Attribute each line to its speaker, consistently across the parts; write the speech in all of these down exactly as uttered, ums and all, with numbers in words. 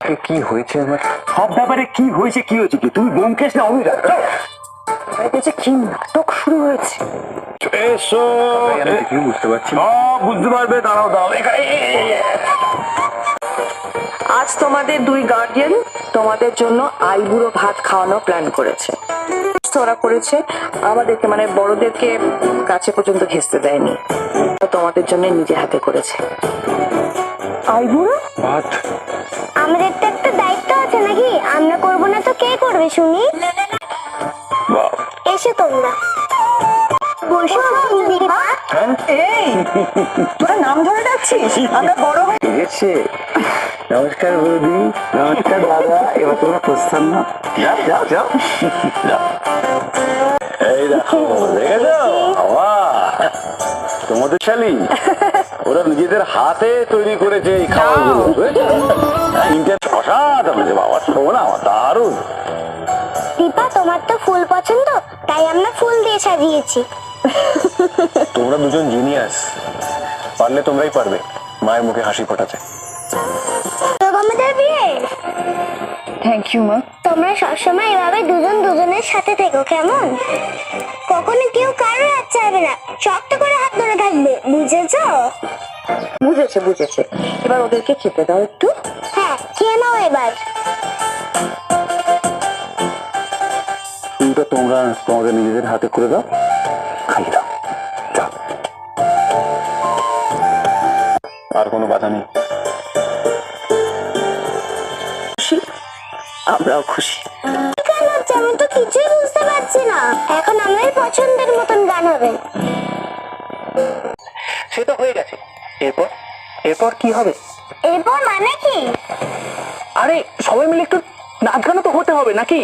Speaker 1: কি হয়েছে আমার সব ব্যাপারে কি হয়েছে কি হয়েছে কি তুমি ব্যোমকেশ না অনুরাগ
Speaker 2: যে কি নাটক শুরু হয়েছে
Speaker 1: এসো কি বুঝতে পারছি সব বুঝতে পারবে দাঁড়াও দাঁড়াও
Speaker 2: আজ তোমাদের দুই গার্ডিয়ান তোমাদের জন্য আইবুড়ো ভাত খাওয়ানো প্ল্যান করেছে। ওরা করেছে আমাদেরকে মানে বড়দেরকে কাছে পর্যন্ত ঘেঁচতে দেয়নি, তোমাদের জন্য নিজে হাতে করেছে আইবুড়ো
Speaker 1: ভাত।
Speaker 3: আমাদের তো একটা দায়িত্ব আছে নাকি, আমরা করবো না তো কে করবে শুনি। এসে তোমরা বসো।
Speaker 2: এই তোরা নাম ধরে ডাকছিস, আমরা বড় হয়ে
Speaker 1: গেছে। নমস্কার বৌদি, নমস্কার দাদা, এবার তোমরা প্রস্থান না, যাও যাও যাও যাও। এই দেখো দেখেছো বাবা তোমাদের শালি ওরা নিজেদের হাতে তৈরি করেছে এই খাবারগুলো, অসাধারণ বাবা, শোনা দারুণ।
Speaker 3: দীপা তোমার তো ফুল পছন্দ, তাই আমরা ফুল দিয়ে সাজিয়েছি।
Speaker 1: তোমরা দুজন জিনিয়াস, পারলে তোমরাই পারবে মায়ের মুখে হাসি ফোটাতে।
Speaker 3: আমাদের বিয়ে।
Speaker 2: থ্যাংক ইউ মা।
Speaker 3: তোমরা সবসময় এভাবে দুজন দুজনের সাথে থেকো কেমন, কখনো কেউ কারো হাত ছাড়বে না, শক্ত করে হাত ধরে থাকবে, বুঝেছো?
Speaker 2: বুঝেছে বুঝেছে এবার ওদেরকে খেতে দাও একটু।
Speaker 3: হ্যাঁ খেয়ে নাও এবার।
Speaker 1: ফুলটা তোমরা তোমাদের নিজেদের হাতে করে দাও, খাইয়ে দাও, যাও। আর কোনো বাধা নেই।
Speaker 2: খুশি? আমরাও খুশি।
Speaker 3: গান হচ্ছে আমি তো কিছুই বুঝতে পারছি না। এখন আমাদের পছন্দের মতন গান হবে।
Speaker 1: সে তো হয়ে গেছে, এরপর এরপর কি হবে?
Speaker 3: এরপর মানে কি?
Speaker 1: আরে সবাই মিলে একটু নাচ গানও তো হতে হবে নাকি?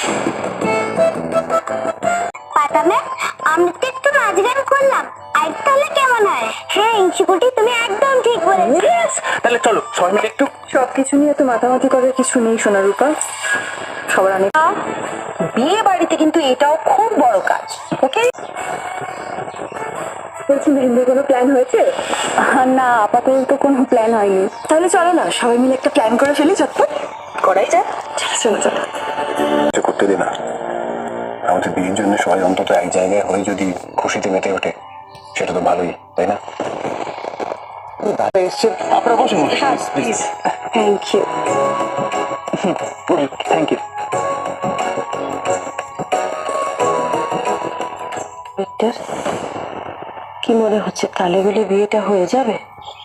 Speaker 3: পাতামে আমরা তো একটু নাচ গান করলাম, আর তাহলে কেমন হয়? হ্যাঁ ইঞ্চুকুটি তুমি একদম ঠিক বলেছো।
Speaker 1: তাহলে চলো সবাই মিলে একটু।
Speaker 2: সবকিছু নিয়ে তো মাতামাতি করার কিছু নেই সোনা রূপা, সবার অনেক বিয়ে বাড়িতে কিন্তু এটাও খুব বড় কাজ। ওকে বলছি মেহেন্দির কোনো প্ল্যান হয়েছে? না আপাতত তো কোনো প্ল্যান হয়নি। তাহলে চলো না সবাই মিলে একটা প্ল্যান করে ফেলি, চটপট করাই যায়। চলো চলো
Speaker 1: করতে দে না, আমাদের বিয়ের জন্য সবাই অন্তত এক জায়গায় হয়ে যদি খুশিতে মেতে ওঠে সেটা তো ভালোই, তাই না? দাদা এসছে, আপনারা বসুন।
Speaker 2: Please. Thank you
Speaker 1: thank you.
Speaker 2: কি মনে হচ্ছে তালে গেলে বিয়েটা হয়ে যাবে?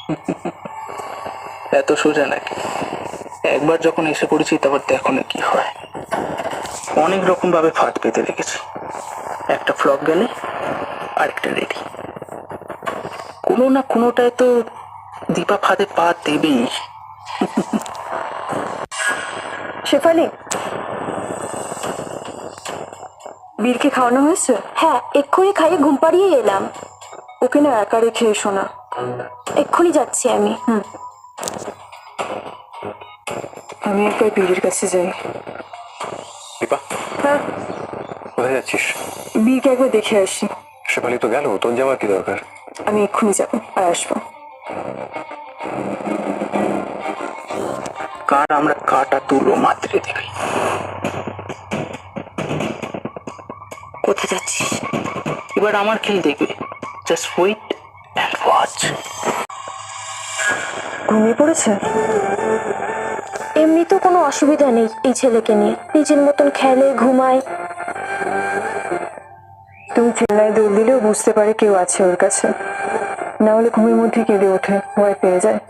Speaker 4: এত সোজা নাকি? একবার যখন এসে পড়েছি তারপর দেখো না কি হয়। অনেক রকম ভাবে ফাঁদ পেতে রেখেছি, একটা ফ্লপ গেলে আরেকটা রেডি। কোনো না কোনোটায় তো দীপা ফাঁদে পা দেবেই।
Speaker 2: শেফালি, বীরকে খাওয়ানো হয়েছে? হ্যাঁ এক্ষুনি খাইয়ে ঘুম পাড়িয়ে এলাম। ওকে না একা রেখে এসো না। এক্ষুনি যাচ্ছি আমি। হুম আমি একবার বীরের কাছে যাই।
Speaker 1: দীপা
Speaker 2: হ্যাঁ
Speaker 1: কোথায় যাচ্ছিস?
Speaker 2: বীরকে একবার দেখে আসি।
Speaker 1: শেফালি তো গেল, তোর যাওয়ার কি দরকার?
Speaker 2: আমি এক্ষুনি যাবো আর আসবো।
Speaker 4: কার আমরা কাটা তুলো মাত্রে দেবে।
Speaker 2: কোথায় যাচ্ছিস?
Speaker 4: এবার আমার খেল দেখবে, জাস্ট ওয়েট অ্যান্ড ওয়াচ।
Speaker 2: ঘুমিয়ে পড়েছে? এমনি তো কোনো অসুবিধা নেই এই ছেলেকে নিয়ে, নিজের মতন খেলে ঘুমায়। তুমি চেন্নাই দৌড় দিলেও বুঝতে পারে কেউ আছে ওর কাছে, না হলে ঘুমের মধ্যে কেঁদে ওঠে, ভয় পেয়ে যায়।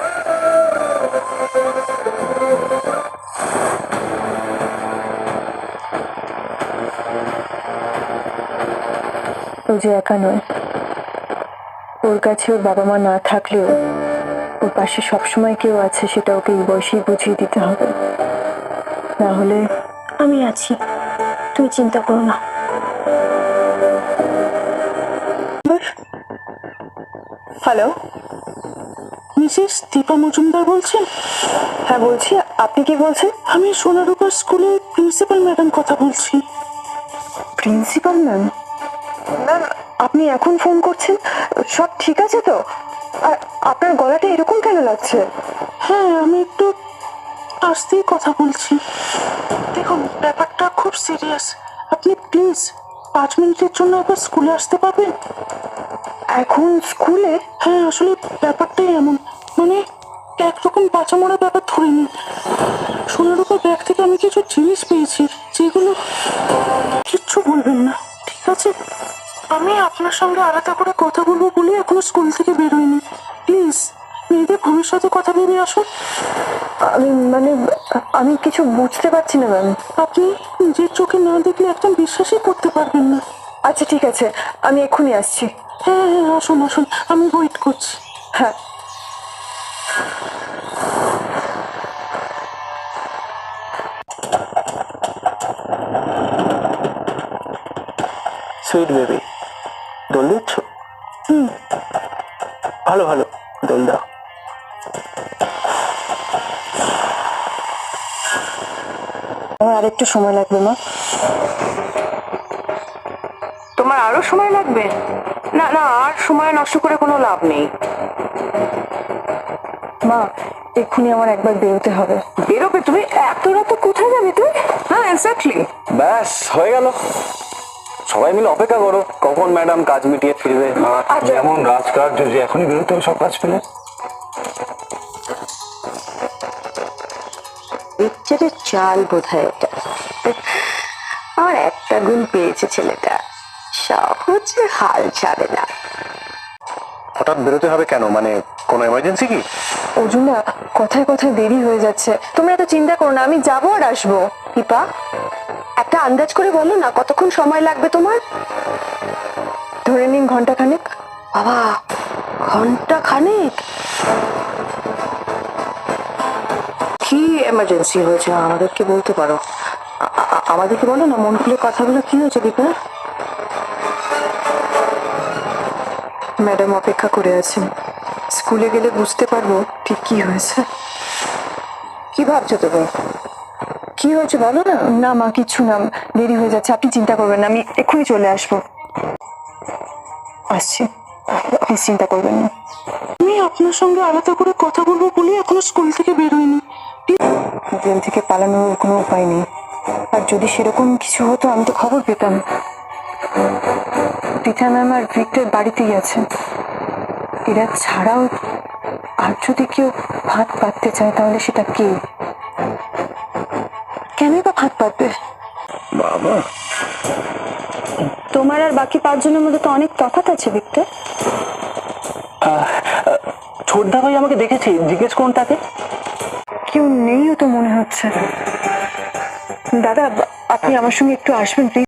Speaker 2: ও যে একা নয়, ওর কাছে ওর বাবা মা না থাকলেও ওর পাশে সবসময় কেউ আছে, সেটা ওকে এই বয়সেই বুঝিয়ে দিতে হবে। না হলে আমি আছি, তুই চিন্তা করো না। হ্যালো,
Speaker 4: মিসেস দীপা মজুমদার বলছেন?
Speaker 2: হ্যাঁ বলছি, আপনি কি বলছেন?
Speaker 4: আমি সোনারূপার স্কুলের প্রিন্সিপাল ম্যাডাম কথা বলছি।
Speaker 2: Principal ma'am? ম্যাম আপনি এখন ফোন করছেন, সব ঠিক আছে তো? আর আপনার গলাটা এরকম কেন লাগছে?
Speaker 4: হ্যাঁ আমি একটু আসতেই কথা বলছি। দেখুন, ব্যাপারটা খুব সিরিয়াস। আপনি প্লিজ পাঁচ মিনিটের জন্য একবার স্কুলে আসতে পারবেন?
Speaker 2: এখন স্কুলে?
Speaker 4: হ্যাঁ, আসলে ব্যাপারটাই এমন, মানে একরকম বাঁচা মরা ব্যাপার ধরে নিন। সোনার উপর ব্যাগ থেকে আমি কিছু জিনিস পেয়েছি, যেগুলো কিচ্ছু বলবেন না, ঠিক আছে? আমি আপনার সঙ্গে আলাদা করে কথা বলবো বলে এখনো স্কুল থেকে বেরোয়নি। প্লিজ মেয়েদের ভবিষ্যতে কথা ভেবে আসুন।
Speaker 2: আমি মানে আমি কিছু বুঝতে পারছি না ম্যাম।
Speaker 4: আপনি নিজের চোখে না দেখলে একদম বিশ্বাসই করতে পারবেন না।
Speaker 2: আচ্ছা ঠিক আছে, আমি এক্ষুনি আসছি।
Speaker 4: হ্যাঁ হ্যাঁ, আসুন আসুন, আমি ওয়েট করছি।
Speaker 2: হ্যাঁ।
Speaker 4: সুইট বেবি, দোল দিচ্ছ? হুম, ভালো ভালো, দোল দাও।
Speaker 2: আমার আর একটু সময় লাগবে মা। তোমার আরো সময় লাগবে? না না, আর সময় নষ্ট করে কোনো লাভ নেই। মা, এক্ষুনি আমার একবার বেরোতে হবে। বেরোবে তুমি? এত রাতে কোথায় যাবে তুই? হ্যাঁ এক্স্যাক্টলি।
Speaker 1: ব্যাস হয়ে গেল, সবাই মিলে অপেক্ষা করো কখন ম্যাডাম কাজ মিটিয়ে ফিরবে। আর যেমন রাজকার্য যে এখনই বেরোতে হবে সব কাজ ফেলে।
Speaker 2: পিকচারের চাল বোধহয় এটা। আমার একটা গুণ পেয়েছে ছেলেটা, সহজে হাল ছাড়ে না।
Speaker 1: হঠাৎ বেরোতে হবে কেন, মানে কোনো এমার্জেন্সি কি?
Speaker 2: অর্জুনা, কথায় কথায় দেরি হয়ে যাচ্ছে। তোমরা এত চিন্তা করো না, আমি যাবো আর আসবো। দীপা, একটা আন্দাজ করে বলো না কতক্ষণ সময় লাগবে তোমার? ধরে নিন ঘন্টা খানেক। বাবা, ঘন্টা খানেক? কি এমার্জেন্সি হয়েছে আমাদেরকে বলতে পারো? আ- আ- আমাদেরকে বলো না, মন খুলে কথাগুলো কি হয়েছে দীপা? ম্যাডাম অপেক্ষা করে আছেন, স্কুলে গেলে বুঝতে পারবো ঠিক কি হয়েছে। কি ভাবছো তুমি? কি হয়েছে বলো না। না মা, কিছু না, দেরি হয়ে যাচ্ছে, আপনি চিন্তা করবেন না, আমি এক্ষুনি চলে আসবো। আসছি, আপনি চিন্তা করবেন না।
Speaker 4: আমি আপনার সঙ্গে আলাদা করে কথা বলবো বলে এখনো স্কুল থেকে বেরোয়নি।
Speaker 2: জেল থেকে পালানোর কোনো উপায় নেই, আর যদি সেরকম কিছু হতো আমি তো খবর পেতাম। টিচা ম্যাম আর ভিক্টর বাড়িতেই আছে। এরা ছাড়াও আর যদি কেউ ভাত পাততে চায় তাহলে সেটা কে? কেনই বা ভাত পাতবে?
Speaker 1: বাবা,
Speaker 2: তোমার আর বাকি পাঁচজনের মধ্যে তো অনেক তফাৎ আছে ভিক্টর।
Speaker 4: ছোটদা ভাই আমাকে দেখেছি, জিজ্ঞেস করুন তাকে।
Speaker 2: কেউ নেইও তো মনে হচ্ছে। দাদা, আপনি আমার সঙ্গে একটু আসবেন প্লিজ।